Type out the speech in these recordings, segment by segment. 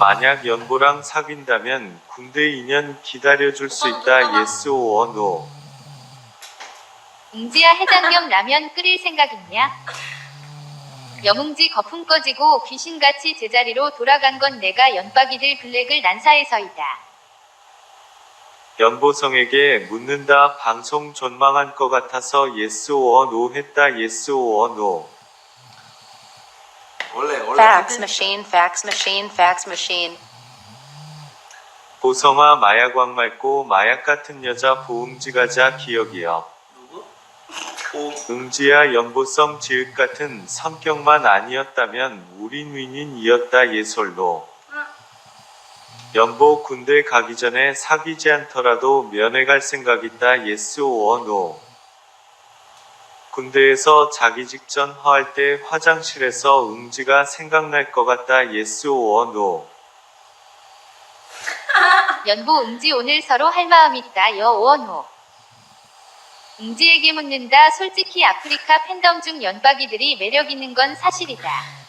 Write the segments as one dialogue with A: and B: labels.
A: 만약 연보랑 사귄다면 군대 2년 기다려줄 수 있다. yes or no.
B: 웅지야 해장겸 라면 끓일 생각 있냐? 여뭉지 거품 꺼지고 귀신같이 제자리로 돌아간 건 내가 연박이들 블랙을 난사해서이다.
A: 연보성에게 묻는다. 방송 전망한 것 같아서 yes or no 했다. yes or no.
C: 원래
D: Fax machine, fax machine, fax machine.
A: 보성아 마약왕 맑고 마약 같은 여자 보응지 가자 기억이여.
C: 누구?
A: 응지야 연보성 지읒 같은 성격만 아니었다면 우린 윈윈이었다. 예솔로. 연보 군대 가기 전에 사귀지 않더라도 면회 갈 생각 있다. yes or no. 군대에서 자기 직전 화할 때 화장실에서 응지가 생각날 것 같다. yes or no.
B: 연보 웅지 오늘 서로 할 마음 있다. 여 or no. 웅지에게 묻는다. 솔직히 아프리카 팬덤 중 연박이들이 매력 있는 건 사실이다.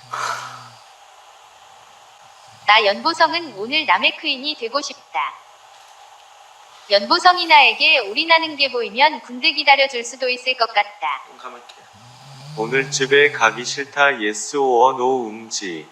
B: 나 연보성은 오늘 남의 크인이 되고 싶다. 연보성이 나에게 올인하는 게 보이면 군대 기다려줄 수도 있을 것 같다.
C: 가만게.
A: 오늘 집에 가기 싫다. yes or no. 응지.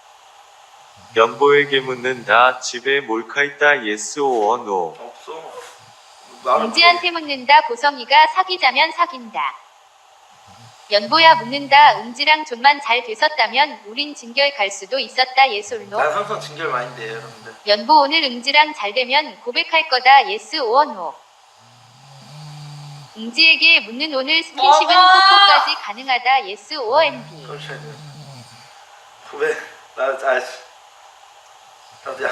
A: 연보에게 묻는다. 집에 몰카 있다. yes or no.
C: 없어.
B: 웅지한테 묻는다. 보성이가 사귀자면 사귄다. 연보야 묻는다. 웅지랑 좀만 잘 됐었다면 우린 진결 갈 수도 있었다. 예솔로.
C: 난 항상 진결 많이 돼요, 여러분들.
B: 연보 오늘 응지랑 잘 되면 고백할 거다. yes or no. 웅지에게 묻는 오늘 스킨십은 뽀뽀까지 가능하다. yes or NB.
C: 그렇지. 후배, 나도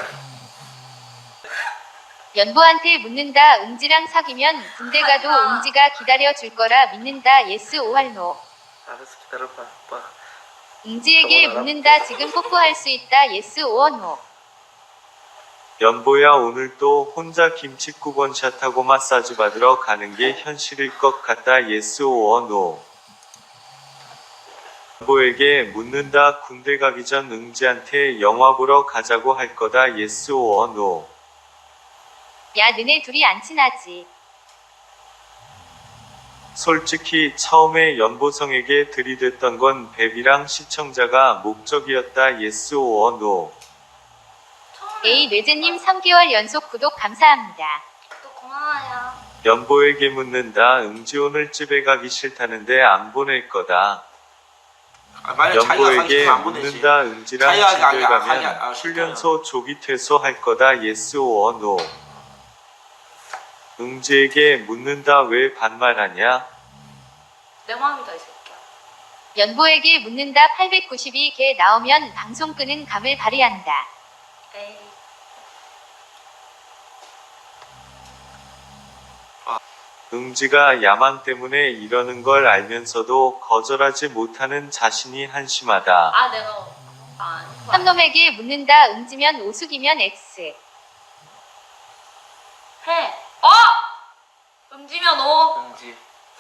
B: 연보한테 묻는다. 응지랑 사귀면 군대 가도 응지가 기다려줄 거라 믿는다. yes or no.
C: 알았어, 기다려봐, 오빠.
B: 웅지에게 묻는다. 지금 뽀뽀할 수 있다. yes or no.
A: 연보야 오늘 또 혼자 김치 9번 샷하고 마사지 받으러 가는 게 현실일 것 같다. yes or no. 연보에게 묻는다. 군대 가기 전 응지한테 영화 보러 가자고 할 거다. yes or no.
B: 야 너네 둘이 안 친하지.
A: 솔직히 처음에 연보성에게 들이댔던 건 베비랑 시청자가 목적이었다. yes or no.
B: A 뇌제님 3개월 연속 구독 감사합니다.
E: 또 고마워요.
A: 연보에게 묻는다. 응지 오늘 집에 가기 싫다는데 안 보낼 거다.
C: 만약 자기가 가기
A: 연보에게
C: 싫으면 안 보내지.
A: 묻는다. 응지랑
C: 자기가
A: 집에 가면 훈련소 조기 퇴소할 거다. yes or no. 응지에게 묻는다. 왜 반말하냐?
E: 내 마음이다 이 새끼야.
B: 연보에게 묻는다. 892개 나오면 방송 끄는 감을 발휘한다.
E: 에이.
A: 응지가 야망 때문에 이러는 걸 알면서도 거절하지 못하는 자신이 한심하다.
E: 아 내가
B: 삼놈에게 묻는다. 응지면 오숙이면 X.
E: 해. 음지면 오.
C: 응지.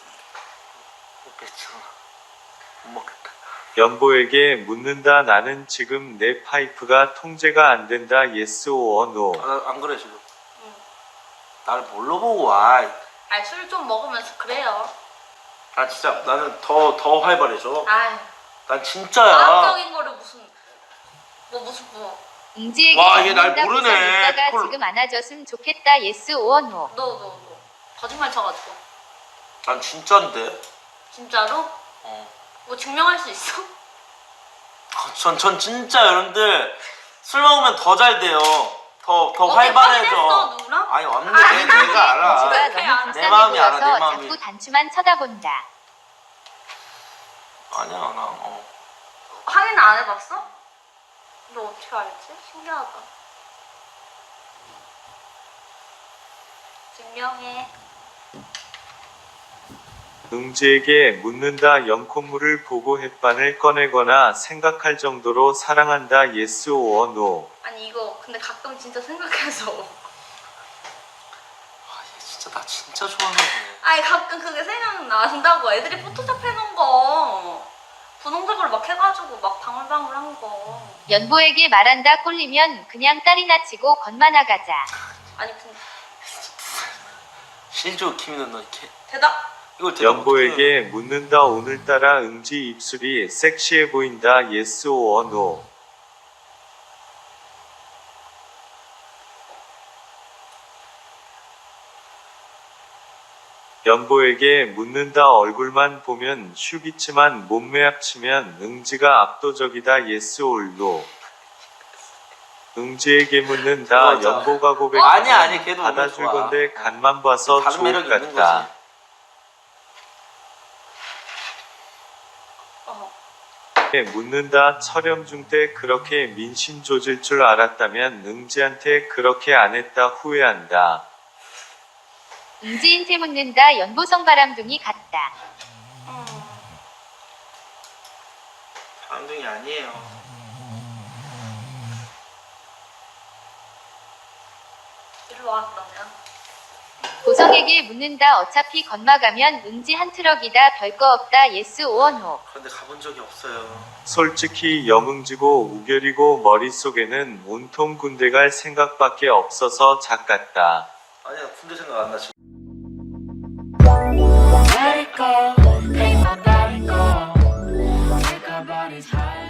C: 먹겠지. 못 먹겠다.
A: 연보에게 묻는다. 나는 지금 내 파이프가 통제가 안 된다. yes or no.
C: 안 그래 지금. 나를 뭘로 보고 와.
E: 아니 술 좀 먹으면서 그래요.
C: 아 진짜 나는 더 활발해져.
E: 아이.
C: 난 진짜야.
E: 과학적인 거를 무슨
B: 응지에게
C: 와, 얘 날
B: 묻는다.
C: 모르네.
B: 오빠가
C: 콜.
B: 지금 안아줬으면 좋겠다. yes or no.
E: 너 거짓말 쳐가지고.
C: 난 진짜인데.
E: 진짜로? 뭐 증명할 수 있어?
C: 전 진짜 여러분들 술 먹으면 더 잘 돼요. 더
E: 어제
C: 활발해져.
E: 확인했어, 누구랑?
C: 아니 왔는데 내가 알아.
B: 응지가
E: 그래,
B: 너무
E: 내
B: 불쌍해
C: 마음이 알아, 내
B: 보여서
C: 마음이.
B: 자꾸 단추만 쳐다본다.
C: 아니야 나.
E: 확인 안 해봤어? 너 어떻게 알지? 신기하다. 증명해.
A: 응지에게 묻는다. 연콧물을 보고 햇반을 꺼내거나 생각할 정도로 사랑한다. yes or no.
E: 아니 이거 근데 가끔 진짜 생각해서.
C: 얘 진짜 나 진짜 좋아하나 보네.
E: 아니 가끔 그게 생각난다고. 애들이 포토샵 해놓은 거 분홍색으로 막 해가지고 막 방울방울한 거.
B: 연보에게 말한다 꼴리면 그냥 딸이나 치고 건마나 가자.
E: 아니 근데
C: 실조 키미는 너 이렇게
E: 대답.
C: 이걸 대답
A: 연보에게 묻는다. 오늘따라 응지 입술이 섹시해 보인다. yes or no. 연보에게 묻는다. 얼굴만 보면 슈비치만 몸매 합치면 응지가 압도적이다. yes or no. 응지에게 묻는다.
C: 그거죠.
A: 연보가 고백
C: 아니, 걔도
A: 받아줄
C: 좋아.
A: 건데 간만 봐서
C: 다른
A: 좋을
C: 매력이
A: 것
C: 있는
A: 같다.
C: 거지.
A: 묻는다. 철염중 때 그렇게 민심 조질 줄 알았다면 응지한테 그렇게 안 했다. 후회한다.
B: 응지인테 묻는다. 연보성 바람둥이 같다.
C: 바람둥이 아니에요.
E: 이리 와 그러면.
B: 보성에게 묻는다. 어차피 건마가면 응지 한 트럭이다. 별거 없다. yes or no.
C: 그런데 가본 적이 없어요.
A: 솔직히 영응지고 우결이고 머릿속에는 온통 군대 갈 생각밖에 없어서 작같다.
C: 아니야, 군대 생각 안 나 지금.
F: Let it go, make my body go. Take our bodies high.